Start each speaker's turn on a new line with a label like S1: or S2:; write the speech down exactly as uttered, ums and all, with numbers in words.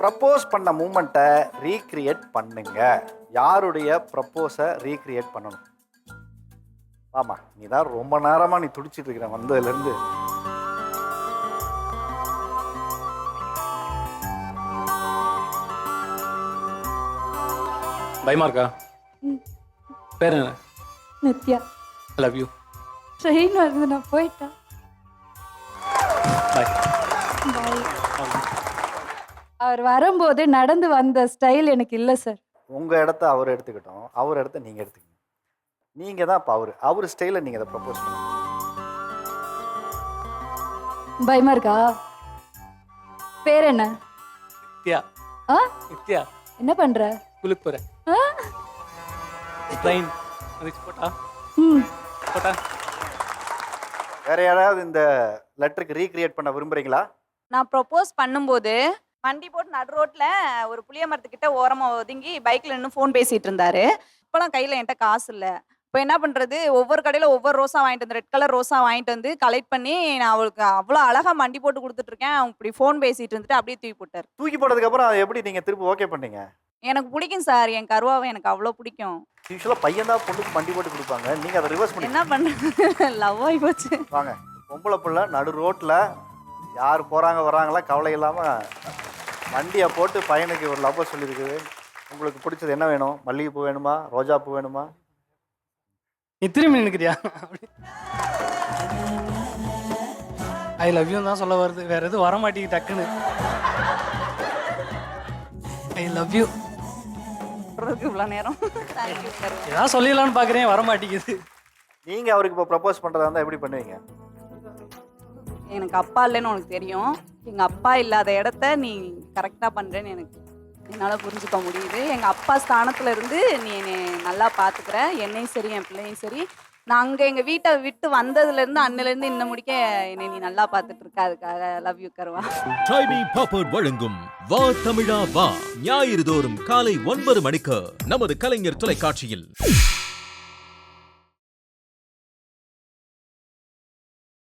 S1: Propose பண்ண மூமெண்ட்டை recreate பண்ணுங்க. யாருடைய ப்ரப்போஸை ரீக்ரியேட் பண்ணணும்? ஆமா, நீ தான் ரொம்ப நேரமா நீ துடிச்சிட்டு இருக்கிற வந்ததுலேருந்து.
S2: பயமா இருக்கா? பேர் என்ன?
S3: Nithya.
S2: I love you.
S3: Train வருது, நான் போயிட்டேன்.
S2: பாய்.
S3: பாய். அவர் வரும்போது நடந்து வந்த ஸ்டைல் எனக்கு இல்லை சார்.
S1: உங்க இடத்த அவர் எடுத்துக்கிட்டோம், அவர் இடத்த நீங்க எடுத்துக்கணும். நீங்க தான் இப்போ அவர் அவர் ஸ்டைலில் நீங்க அதை ப்ரப்போஸ் பண்ணுங்க.
S3: பயமா இருக்கா? பேர் என்ன?
S2: நித்யா.
S3: ஆ?
S2: நித்யா.
S3: என்ன பண்ற?
S2: குளிக்க போறேன்.
S3: ஆ?
S2: ட்ரெயின் வந்துச்சு, போட்டா
S3: ம்.
S2: போட்டா.
S1: வேற யாராவது இந்த லெட்டருக்கு ரீக்ரியேட் பண்ண விரும்புறீங்களா?
S4: நான் ப்ரொப்போஸ் பண்ணும்போது வண்டி போட்டு நடு ரோட்ல ஒரு புளிய மரத்துக்கிட்ட ஓரமா ஒதுங்கி பைக்ல நின்று ஃபோன் பேசிட்டு இருந்தாரு. இப்போலாம் கையில என்கிட்ட காசு இல்லை. இப்போ என்ன பண்றது, ஒவ்வொரு கடையில ஒவ்வொரு ரோஸா வாங்கிட்டு வந்து ரெட் கலர் ரோஸா வாங்கிட்டு வந்து கலெக்ட் பண்ணி நான் அவளுக்கு அவ்வளோ அழகா மண்டி போட்டு கொடுத்துட்டு இருக்கேன். அவங்க இப்படி ஃபோன் பேசிட்டு இருந்துட்டு அப்படியே தூக்கி போட்டார்.
S1: தூக்கி போட்டதுக்கு அப்புறம் அதை எப்படி நீங்க திருப்பி ஓகே பண்ணீங்க?
S4: எனக்கு பிடிக்கும் சார், என் கருவாவை எனக்கு அவ்வளோ பிடிக்கும்.
S1: யூஸ்வலாக பையன் தான் பொண்ணுக்கு வண்டி போட்டு கொடுப்பாங்க, நீங்க அதை ரிவர்ஸ் பண்ணி
S4: என்ன பண்றது, லவ் ஆகி போச்சு.
S1: வாங்க. பொம்பளை பிள்ளை நடு ரோட்டில் யார் போகிறாங்க வராங்களா கவலை இல்லாமல் வண்டியை போட்டு பையனுக்கு ஒரு லவ்வை சொல்லியிருக்குது. உங்களுக்கு பிடிச்சது என்ன வேணும்? மல்லிகைப்பூ வேணுமா, ரோஜா பூ வேணுமா?
S2: நீ திரும்பி நினைக்கிறியா? ஐ லவ் யூ தான் சொல்ல வருது, வேற எதுவும் வர மாட்டேங்குது டக்குன்னு. ஐ லவ் யூ
S4: இவ்வளோ நேரம் தேங்க்யூ சார்.
S2: ஏதாவது சொல்லிடலான்னு பார்க்குறேன், வர மாட்டேங்குது.
S1: நீங்கள் அவருக்கு இப்போ ப்ரப்போஸ் பண்ணுறதா இருந்தால் எப்படி பண்ணுவீங்க?
S4: எனக்கு அப்பா இல்லைன்னு உனக்கு தெரியும். எங்கள் அப்பா இல்லாத இடத்த நீ கரெக்டாக பண்ணுறேன்னு எனக்கு என்னால் புரிஞ்சுக்க முடியுது. எங்கள் அப்பா ஸ்தானத்தில் இருந்து நீ என்னை நல்லா பார்த்துக்கிற, என்னையும் சரி என் பிள்ளையும் சரி. நான் அங்கே எங்கள் வீட்டை விட்டு வந்ததுலேருந்து அன்னிலேருந்து இன்னும் முடிக்க என்னை நீ நல்லா பார்த்துட்டு இருக்க. அதுக்காக லவ் யூ கருவா.
S5: ட்ரைபி பாப்பர்ட் வழங்கும் வா தமிழா வா ஞாயிறு தோறும் காலை ஒன்பது மணிக்கு நமது கலைஞர் தொலைக்காட்சியில்.